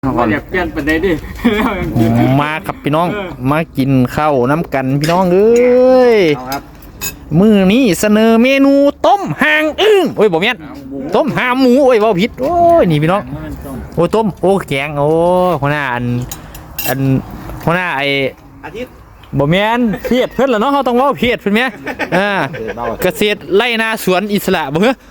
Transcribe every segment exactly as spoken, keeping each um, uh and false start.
มาอยากเปลี่ยนประเด็นดิมาครับพี่น้องมากินข้าวน้ำกันพี่น้องเอ้ยมือนี้เสนอเมนูต้มหางอึ้งโอ้ยบอกเมียนต้มหางหมูโอ้ยว่าผิดโอ้ยนี่พี่น้องโอ้ต้มโอ้แกงโอ้หัวหน้าอันอันหัวหน้าไออาทิตย์บอกเมียนเพียดเพื่อนเหรอเนาะเขาต้องว่าเพียดเพื่อนเมียอ่าเกษตรไร่นาสวนอิสระบ่เหรอ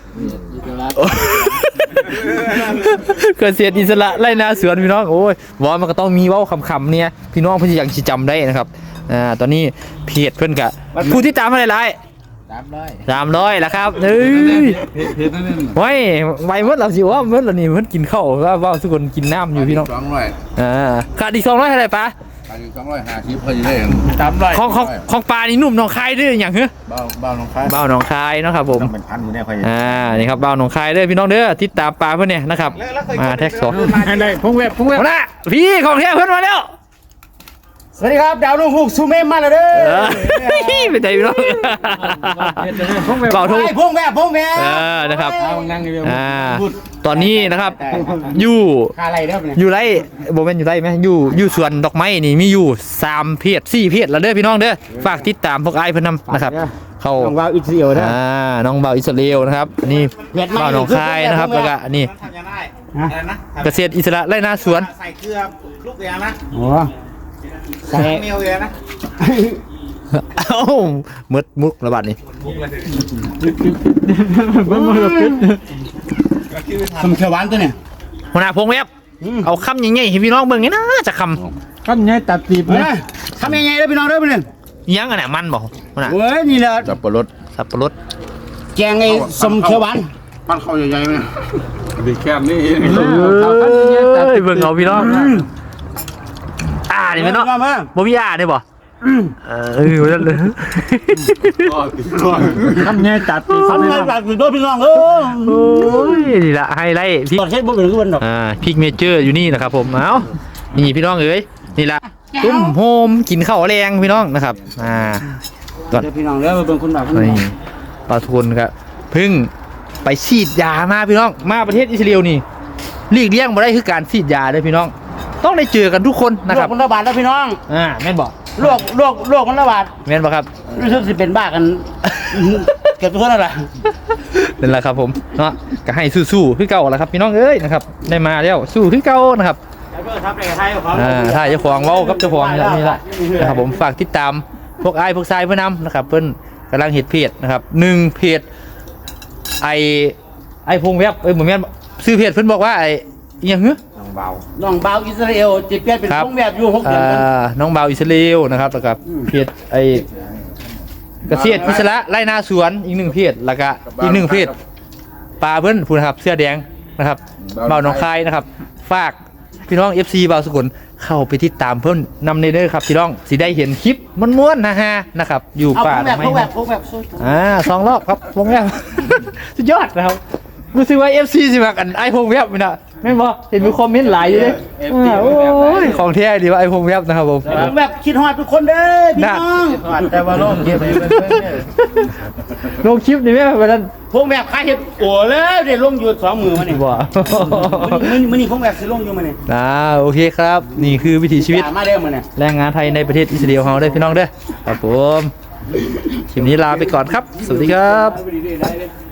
เกษตรอิสระไร่นาสวนพี่น้องโอ้ยว่ามันก็ต้องมีเว้าคำๆเนี่ยพี่น้องเพื่อยังจำได้นะครับอ่าตอนนี้เพียดเพื่อนกะผู้ที่ตามมาหลายๆสามร้อยสามร้อยแล้วครับเฮ้ยไว้ไว้เมื่อเราสิว่าเมื่อเรานี่เพิ่นกินข้าวว่าว่าทุกคนกินน้ำอยู่พี่น้องสองร้อยอ่าขาดอีกสองร้อยเท่าไหร่ปะขาดอีกสองร้อยห้าสิบพอดีได้สามร้อยของของของปลานี่หนุ่มหนองคายด้วยอย่างเฮ้ยเบาเบาหนองคายเบาหนองคายเนาะครับผมเป็นพันอยู่แน่ค่อยอ่านี่ครับเบาหนองคายเด้อพี่น้องเด้อติดตามปลาเพื่อนเนี่ยนะครับมาแท็กสองอะไรพงเว็บพงเว็บนะพี่ของแท้เพื่อนมาแล้วสวัสดีครับดาวนุ่งหุกซูเมมมาแล้วเด้อไม่ใจพี่น้องเบาทุ่งพงเว็บพงเว็บเออนะครับอ่าตอนนี้นะครับอยู่อยู่ไรโบเป็นอยู่ไรไหมอยู่อยู่สวนดอกไม้นี่มีอยู่สามเพจสี่เพจแล้วเด้อพี่น้องเด้อฝากติดตามพวกไอ้เพื่อนนำนะครับเขาน้องบ่าวอิสราเอลนะอ่าน้องบ่าวอิสราเอลนะครับนี่บ่าวหนองคายนะครับแล้วก็นี่เกษตรอิสระไร่นาสวนใส่เกลือลูกเดียวนะโอ้ใส่เมลเดียวนะเอ้ามืดมุกระบาดนี่คำเขียวหวานตัวเนี่ยหัวหน้าพงเว็บเอาคำใหญ่ๆให้พี่น้องเบิ่งนี่นะจะคำคำใหญ่ตัดตีบนะคำใหญ่ๆเลยพี่น้องเด้อพี่น้องยังอันไหนมันบอกหัวหน้าเว้ยนี่แหละสับปะรดสับปะรดแกงไอ้สมเขียวหวานปั้นข้าวใหญ่ๆไหมดีแคบนี่เบิ่งเอาพี่น้องอ่านี่พี่น้องบ่มีอ่าได้บ่เออเออนั่นเลยทำไงตัดทำไงตัดด้วยพี่น้องเออโอ้ยนี่ละไฮไลท์พริกใช้บุกหรือวันดอกอ่าพริกเมเจอร์อยู่นี่นะครับผมเอ้านี่พี่น้องเอ้ยนี่ละตุ้มโฮมกินข้าวแรงพี่น้องนะครับอ่าก่อนพี่น้องแล้วเป็นคนแบบนี่ปลาทูนครับเพิ่งไปฉีดยามาพี่น้องมาประเทศอิสราเอลนี่หลีกเลี่ยงมาได้คือการฉีดยาเลยพี่น้องต้องได้เจอกันทุกคนนะครับโรคมันระบาดแล้วพี่น้องอ่าแม่นบอกโรคโรคโรคมันระบาดแม่นบอกครับรู้สึกสิเป็นบ้ากันเก็บตัวนั่นแหละนั่นแหละครับผมเนาะก็ให้สู้ๆขึ้นเก่าแล้วครับพี่น้องเอ้ยนะครับได้มาแล้วสู้ขึ้นเก่านะครับอ่าถ้าเจ้าของเว้ากับเจ้าของนี่แหละนี่แหละนะครับผมฝากติดตามพวกไอ้พวกทรายเพื่อนนำนะครับเพื่อนกำลังเห็ดเพจนะครับหนึ่งเพจไอไอพงเว็บเอ้ยเหมือนแม่ซื้อเพจเพื่อนบอกว่าไอยังเฮ้ยน้องเบาน้องเบาอิสราเอลจิตเพียรเป็นพงเว็บอยู่หกเดือนน้องเบาอิสราเอลนะครับแล้วก็เพจไอเกษตรอิสระไร่นาสวนอีกหนึ่งเพจแล้วก็อีกหนึ่งเพจปลาเพื่อนพูดนะครับเสื้อแดงนะครับเบาหนองคายนะครับฝากพี่น้อง เอฟ ซี เบาสกุลเข้าไปติดตามเพิ่มนำในเด้อครับพี่น้องสิได้เห็นคลิปม้วนๆนะฮะนะครับอยู่ป่าไม่อ่าสองรอบครับพงแวบสุดยอดนะครับรู้สึกว่า เอฟ ซี สิแบบกันไอพงแวบนี่นะไม่บอกเห็นมีคอมเมนต์หลายอยู่เลยโอ้ยของแท้ดีว่าไอพงแวบนะครับผมแบบคิดฮอดทุกคนเด้อพี่น้องแต่ว่าโลกคลิปลงคลิปนี่แม่วันนั้นพงแบบใครเห็นโอ้แล้วเดี๋ยวลงอยู่สองมือมาเนี่ยว้ามือนี่พงแบบสิลงอยู่มาเนี่ยอ่าโอเคครับนี่คือวิถีชีวิตมาเด้อมาเนี่ยแรงงานไทยในประเทศอิสราเอลของเราได้พี่น้องเด้อครับผมคลิปนี้ลาไปก่อนครับสวัสดีครับ